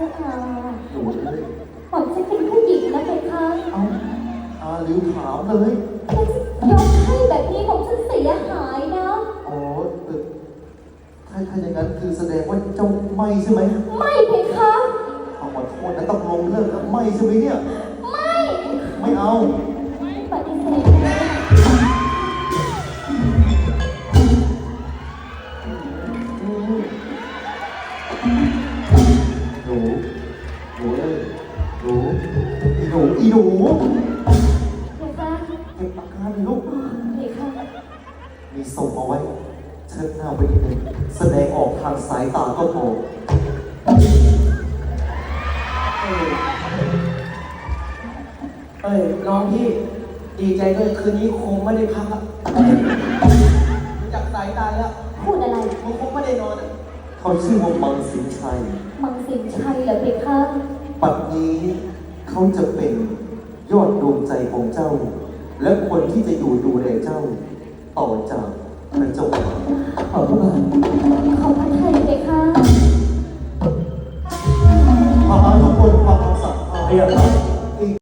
จ้าค่ะหนูเลยผมจะเป็นผู้หญิงนะเพคะเอาอาลิวขาวเลยยกให้แบบนี้ผมฉันเสียหายนะอ๋อถ้าอย่างนั้นคือแสดงว่าเจ้าไม่ใช่ไหมไม่เพคะขอโทษนะต้องลงเลิกแล้วไม่ใช่ไหมเนี่ยไม่ไม่เอาปฏิเสธนะหนูเลยหนูอีหนูเพคะเก็บอาการเลยลูกเพคะมีส่งเอาไว้เชิดหน้าไปนิดนึงแสดงออกทางสายตาก็พอเอ้ยน้องพี่ดีใจด้วยคืนนี้คงไม่ได้พักอะรู้จักสายตาแล้วพูดอะไรมึงคงไม่ได้นอนอะเขาชื่อว่ามังสินชัยมังสินชัยเหรอเพคะปัจจุบันเขาจะเป็นยอดดวงใจของเจ้า และคนที่จะอยู่ดูแลเจ้า ต่อจากพระเจ้าค่ะขอบคุณมากขอพระไทยเพคะพาทุกคนฟังคำสั่งข้าเรียบร้อย